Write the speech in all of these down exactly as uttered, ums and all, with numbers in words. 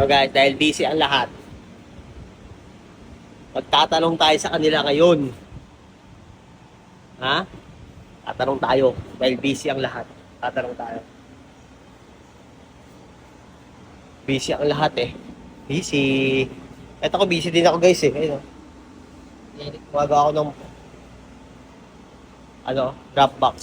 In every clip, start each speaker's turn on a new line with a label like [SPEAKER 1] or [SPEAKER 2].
[SPEAKER 1] So guys, dahil busy ang lahat, magtatanong tayo sa kanila ngayon. Ha? Tatanong tayo. Dahil busy ang lahat. Tatanong tayo. Busy ang lahat eh. Busy. Eto ko, busy din ako guys eh. Ayun o. Gumagawa ako ng ano, Dropbox.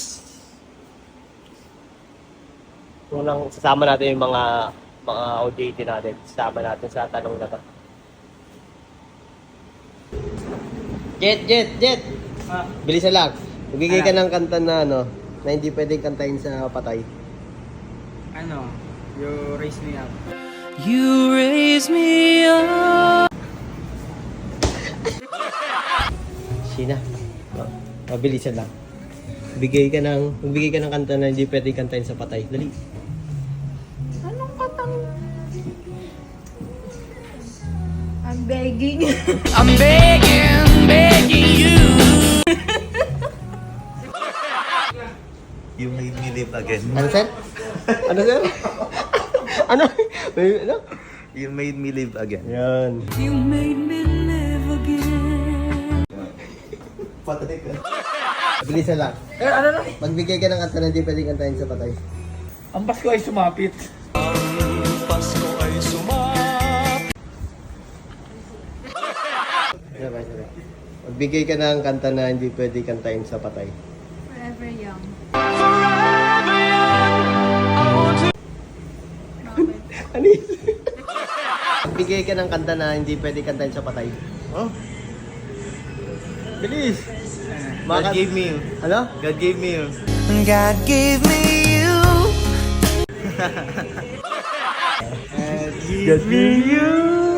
[SPEAKER 1] Kung lang sasama natin yung mga mga O J T natin. Sasama natin sa tanong na to. Jet, Jet, Jet!
[SPEAKER 2] Ah,
[SPEAKER 1] Bilisan lang. Magbigay ka ng kanta na ano, na hindi pwedeng kantahin sa patay.
[SPEAKER 2] ano, you raise me up.
[SPEAKER 3] You raise me up.
[SPEAKER 1] Sina. Oh, mabilisan lang. Bigay ka ng, magbigay ka ng kanta na hindi pwedeng kantahin sa patay. Dali.
[SPEAKER 4] Anong katang... I'm begging.
[SPEAKER 3] I'm begging, begging you.
[SPEAKER 5] You made me live again.
[SPEAKER 1] Ano sir? Ano sir? ano? May- ano?
[SPEAKER 5] You made me live again.
[SPEAKER 1] Yan.
[SPEAKER 3] You made me live again.
[SPEAKER 5] Patay ka.
[SPEAKER 1] Bilisan lang.
[SPEAKER 2] Eh, ano na?
[SPEAKER 1] Magbigay ka ng kanta na hindi pwedeng kantahin sa patay.
[SPEAKER 2] Ang Pasko ay sumapit.
[SPEAKER 5] Pasko ay sumap.
[SPEAKER 1] Sabay, sabay. Magbigay ka ng kanta na hindi pwedeng kantahin sa patay.
[SPEAKER 4] Forever young.
[SPEAKER 1] Ano yun? Magbigay ka ng kanta na hindi pwedeng kantahin sa patay. Oh? Bilis!
[SPEAKER 5] God
[SPEAKER 1] Maka-
[SPEAKER 5] gave me you.
[SPEAKER 1] Ano?
[SPEAKER 5] God gave me you.
[SPEAKER 3] God gave me you.
[SPEAKER 1] Get me you!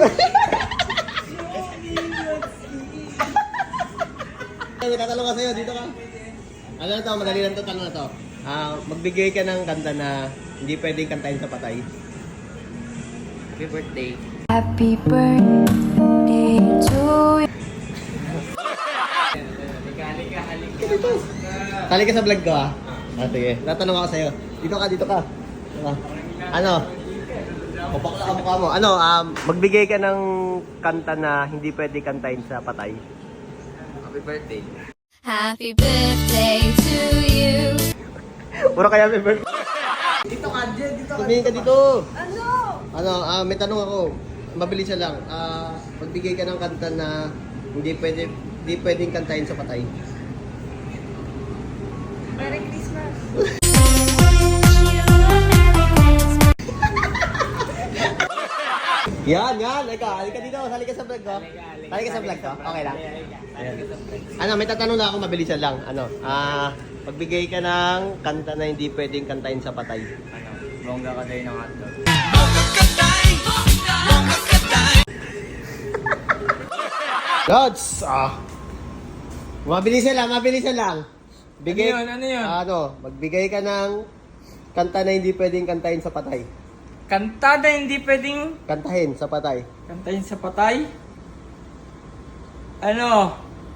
[SPEAKER 1] May tatanong ka sa'yo, dito ka. Ano na to, madali lang to, tanong na to. Ah, magbigay ka ng kanta na hindi pwedeng kantahin sa patay.
[SPEAKER 2] Happy birthday.
[SPEAKER 4] Happy birthday to you.
[SPEAKER 2] Halika, halika, halika.
[SPEAKER 1] Tali ka sa vlog ko ah. Ah, sige. Tatanong ako sa'yo. Dito ka, dito ka. Dito ka. Ano? Kapakla ka mukha mo. Ano, um, magbigay ka ng kanta na hindi pwede kantahin sa patay.
[SPEAKER 2] Happy birthday.
[SPEAKER 4] Happy birthday to you.
[SPEAKER 1] Puro kaya may birth.
[SPEAKER 2] Dito ka, Jen, dito ka.
[SPEAKER 1] Tumingin ka dito.
[SPEAKER 4] Ano?
[SPEAKER 1] Ano, ah, may tanong ako. Mabilis na lang. Ah, magbigay ka ng kanta na hindi pwede hindi pwedeng kantahin sa patay.
[SPEAKER 4] Merry Christmas.
[SPEAKER 1] Yan, yan. Ika, halika dito. Sali ka sa vlog ko. Sali ka sa vlog ko. Okay lang. Ayan. Ano, may tatanong na ako, mabilisan lang. Ano, ah, magbigay ka ng kanta na hindi pwedeng kantahin sa patay.
[SPEAKER 2] Ano, bongga ka tayo ng hotdog.
[SPEAKER 1] Lods! Ah. Mabilisan lang, mabilisan lang. Bigay,
[SPEAKER 2] Ano yun, ano yun?
[SPEAKER 1] Ano, magbigay ka ng kanta na hindi pwedeng kantahin sa patay.
[SPEAKER 2] Kanta na hindi pwedeng
[SPEAKER 1] Kantahin sa patay.
[SPEAKER 2] kantahin sa patay. Ano?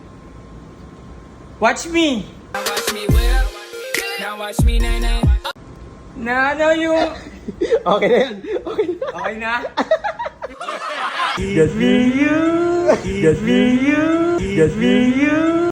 [SPEAKER 2] Watch me.
[SPEAKER 3] Watch me whip. Now watch me nay nay.
[SPEAKER 2] Na ano yung...
[SPEAKER 1] Okay na yan. Okay na.
[SPEAKER 2] Okay na?
[SPEAKER 1] Get me you. Get me you. Get me you.